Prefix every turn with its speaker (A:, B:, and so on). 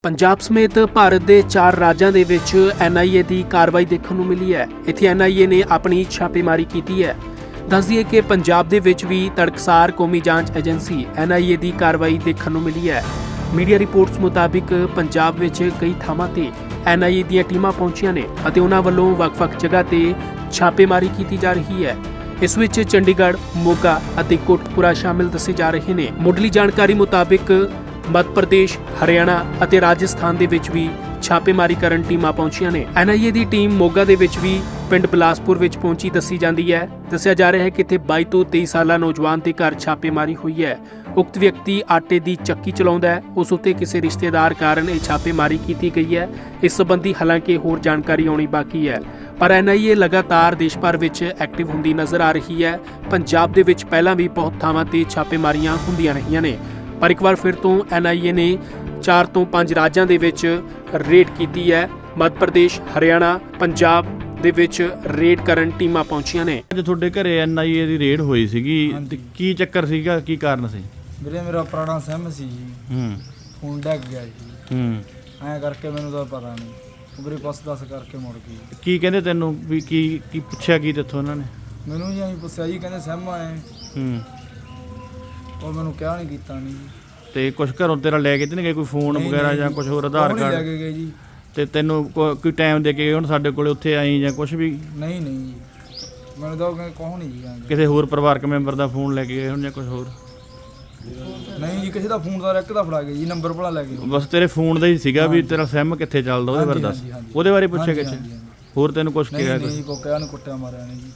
A: ਪੰਜਾਬ ਸਮੇਤ ਭਾਰਤ ਦੇ 4 ਰਾਜਾਂ ਦੇ ਵਿੱਚ ਐਨਆਈਏ ਦੀ ਕਾਰਵਾਈ ਦੇਖਣ ਨੂੰ ਮਿਲੀ ਹੈ। ਇੱਥੇ ਐਨਆਈਏ ਨੇ ਆਪਣੀ ਛਾਪੇਮਾਰੀ ਕੀਤੀ ਹੈ। ਦੱਸ ਦਈਏ ਕਿ ਪੰਜਾਬ ਦੇ ਵਿੱਚ ਵੀ ਤੜਕਸਾਰ ਕੌਮੀ ਜਾਂਚ ਏਜੰਸੀ ਐਨਆਈਏ ਦੀ ਕਾਰਵਾਈ ਦੇਖਣ ਨੂੰ ਮਿਲੀ ਹੈ। ਮੀਡੀਆ ਰਿਪੋਰਟਸ ਮੁਤਾਬਿਕ ਪੰਜਾਬ ਵਿੱਚ ਕਈ ਥਾਵਾਂ ਤੇ ਐਨਆਈਏ ਦੀਆਂ ਟੀਮਾਂ ਪਹੁੰਚੀਆਂ ਨੇ ਅਤੇ ਉਹਨਾਂ ਵੱਲੋਂ ਵੱਖ-ਵੱਖ ਜਗ੍ਹਾ ਤੇ ਛਾਪੇਮਾਰੀ ਕੀਤੀ ਜਾ ਰਹੀ ਹੈ। ਇਸ ਵਿੱਚ ਚੰਡੀਗੜ੍ਹ, ਮੋਗਾ ਅਤੇ ਕੋਟਕਪੂਰਾ ਸ਼ਾਮਿਲ ਦੱਸੇ ਜਾ ਰਹੇ ਨੇ। ਮੁੱਢਲੀ ਜਾਣਕਾਰੀ ਮੁਤਾਬਿਕ ਮੱਧ ਪ੍ਰਦੇਸ਼, ਹਰਿਆਣਾ ਅਤੇ ਰਾਜਸਥਾਨ ਦੇ ਵਿੱਚ ਵੀ ਛਾਪੇਮਾਰੀ ਕਰਨ ਟੀਮਾਂ ਪਹੁੰਚੀਆਂ ਨੇ। ਐਨਆਈਏ ਦੀ ਟੀਮ ਮੋਗਾ ਦੇ ਵਿੱਚ ਵੀ ਪਿੰਡ ਬਿਲਾਸਪੁਰ ਵਿੱਚ ਪਹੁੰਚੀ ਦੱਸੀ ਜਾਂਦੀ ਹੈ। ਦੱਸਿਆ ਜਾ ਰਿਹਾ ਹੈ ਕਿ ਇੱਥੇ 22 ਤੋਂ 23 ਸਾਲਾ ਨੌਜਵਾਨ ਦੇ ਘਰ ਛਾਪੇਮਾਰੀ ਹੋਈ ਹੈ। ਉਕਤ ਵਿਅਕਤੀ ਆਟੇ ਦੀ ਚੱਕੀ ਚਲਾਉਂਦਾ ਹੈ। ਉਸ ਉੱਤੇ ਕਿਸੇ ਰਿਸ਼ਤੇਦਾਰ ਕਾਰਨ ਇਹ ਛਾਪੇਮਾਰੀ ਕੀਤੀ ਗਈ ਹੈ। ਇਸ ਸੰਬੰਧੀ ਹਾਲਾਂਕਿ ਹੋਰ ਜਾਣਕਾਰੀ ਆਉਣੀ ਬਾਕੀ ਹੈ, ਪਰ ਐਨਆਈਏ ਲਗਾਤਾਰ ਦੇਸ਼ ਭਰ ਵਿੱਚ ਐਕਟਿਵ ਹੁੰਦੀ ਨਜ਼ਰ ਆ ਰਹੀ ਹੈ। ਪੰਜਾਬ ਦੇ ਵਿੱਚ ਪਹਿਲਾਂ ਵੀ ਬਹੁਤ ਥਾਵਾਂ ਤੇ ਛਾਪੇਮਾਰੀਆਂ ਹੁੰਦੀਆਂ ਰਹੀਆਂ ਨੇ, ਪਰ ਇੱਕ ਵਾਰ ਫਿਰ ਤੋਂ ਐਨਆਈਏ ਨੇ 4 ਤੋਂ 5 ਰਾਜਾਂ ਦੇ ਵਿੱਚ ਰੇਡ ਕੀਤੀ ਹੈ। ਮੱਧ ਪ੍ਰਦੇਸ਼, ਹਰਿਆਣਾ, ਪੰਜਾਬ ਦੇ ਵਿੱਚ ਰੇਡ ਕਰਨ ਟੀਮਾਂ ਪਹੁੰਚੀਆਂ ਨੇ।
B: ਅੱਜ ਤੁਹਾਡੇ ਘਰੇ ਐਨਆਈਏ ਦੀ ਰੇਡ ਹੋਈ ਸੀਗੀ ਤੇ ਕੀ ਚੱਕਰ ਸੀਗਾ, ਕੀ ਕਾਰਨ ਸੀ?
C: ਵੀਰੇ ਮੇਰਾ ਪੁਰਾਣਾ ਸਿਮ ਸੀ ਜੀ, ਫੋਨ ਡਿੱਗ ਗਿਆ ਜੀ। ਐਂ ਕਰਕੇ ਮੈਨੂੰ ਤਾਂ ਪਤਾ ਨਹੀਂ, ਵੀਰੇ ਬਸ ਦੱਸ ਕਰਕੇ ਮੁੜ ਗਈ।
B: ਕੀ ਕਹਿੰਦੇ ਤੈਨੂੰ ਵੀ ਕੀ ਪੁੱਛਿਆ ਕੀ ਤੇਥੋਂ ਉਹਨਾਂ ਨੇ?
C: ਮੈਨੂੰ ਜੀ ਐਂ ਪੁੱਛਿਆ ਜੀ, ਕਹਿੰਦੇ ਸਿਮ ਆਏ ਉਹ ਮੈਨੂੰ ਕਿਹਾ ਨਹੀਂ ਕੀਤਾ ਨਹੀਂ ਜੀ।
B: ਤੇ ਕੁਝ ਘਰੋਂ ਤੇਰਾ ਲੈ ਕੇ ਤੇ ਨਹੀਂ ਗਏ, ਕੋਈ ਫੋਨ ਵਗੈਰਾ ਜਾਂ ਕੁਝ ਹੋਰ ਆਧਾਰ
C: ਲੈ
B: ਕਾਰਡ?
C: ਕੇ ਗਏ ਜੀ।
B: ਤੇ ਤੈਨੂੰ ਕੋਈ ਟਾਈਮ ਦੇ ਕੇ ਗਏ ਹੁਣ ਸਾਡੇ ਕੋਲੇ ਉੱਥੇ ਆਈ ਜਾਂ ਕੁਝ ਵੀ?
C: ਨਹੀਂ ਜੀ, ਮੈਨੂੰ ਤਾਂ ਕਹਿੰਦੇ ਕੋਹ ਨਹੀਂ ਜੀ ਕਹਿੰਦੇ।
B: ਕਿਸੇ ਹੋਰ ਪਰਿਵਾਰਕ ਮੈਂਬਰ ਦਾ ਫੋਨ ਲੈ ਕੇ ਗਏ ਹੁਣ ਜਾਂ ਕੁਝ ਹੋਰ?
C: ਨਹੀਂ ਜੀ, ਕਿਸੇ ਦਾ ਫੋਨ ਦਾ ਇੱਕ ਦਾ ਫੜਾ ਗਏ ਜੀ, ਨੰਬਰ ਭਲਾ ਲੈ ਗਏ।
B: ਬਸ ਤੇਰੇ ਫੋਨ ਦਾ ਹੀ ਸੀਗਾ ਵੀ ਤੇਰਾ ਸਿਮ ਕਿੱਥੇ ਚੱਲਦਾ, ਉਹਦੇ ਬਾਰੇ ਦੱਸ। ਉਹਦੇ ਬਾਰੇ ਪੁੱਛਿਆ ਕਿ ਹੋਰ ਤੈਨੂੰ ਕੁਝ ਕਿਹਾ?
C: ਨਹੀਂ ਕੋ ਕਿਹਾ ਨਹੀਂ, ਕੁੱਟਿਆ ਮਾਰਿਆ ਨਹੀਂ ਜੀ।